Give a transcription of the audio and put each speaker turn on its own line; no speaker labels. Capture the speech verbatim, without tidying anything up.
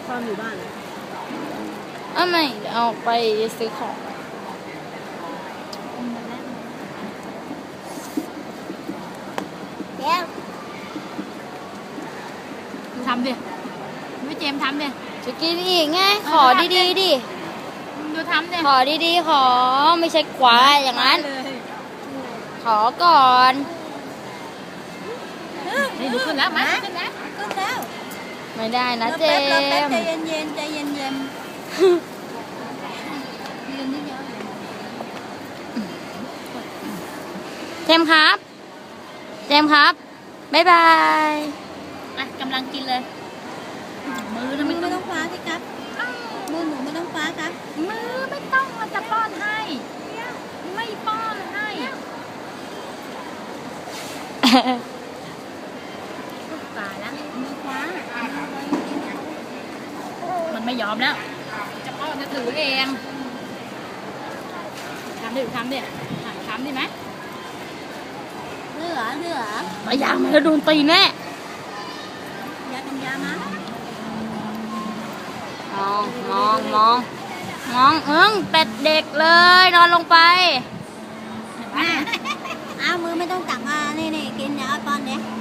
ความอยู่บ้านเลย
อ้าวไม่เอาไปซื้อของ
เดี๋ยว
ทำดิพี่เจมทำดิ
จะกินอีกไงขอดีๆดิ
ดูทำดิ
ขอดีๆขอไม่ใช่ควายอย่างนั้นขอก่อน
นี่ดูขึ้นแล้วมาขึ้นแล้ว
ขึ้นแล้ว
ไม่ได้นะเจม
ใจเย็นๆใจเย็นๆเย็นนิดเดียว
เจมครับเจมครับบ๊ายบาย
อ่ะกำลังกินเลยมือ
มือไม่ต้องคว้าสิครับมือหนูไม่ต้องคว้าครับ
มือไม่ต้องมันจะป้อนให้ไม่ป้อนให้ตายแล้ว
มือคว้า
มันไม่ยอมแล้วจะป้อนจะถือเองทำดิทำดิทำดิไหม
เหลือเหลือ
ไปยางมาแล้วโดนตีแน่
ยาเป็นยามะ
มองมองมองมองเอิ้งเป็ดเด็กเลยนอนลงไป
เอามือไม่ต้องจับมานี่นี่กินเดี๋ยวเอาป้อนเนี้ย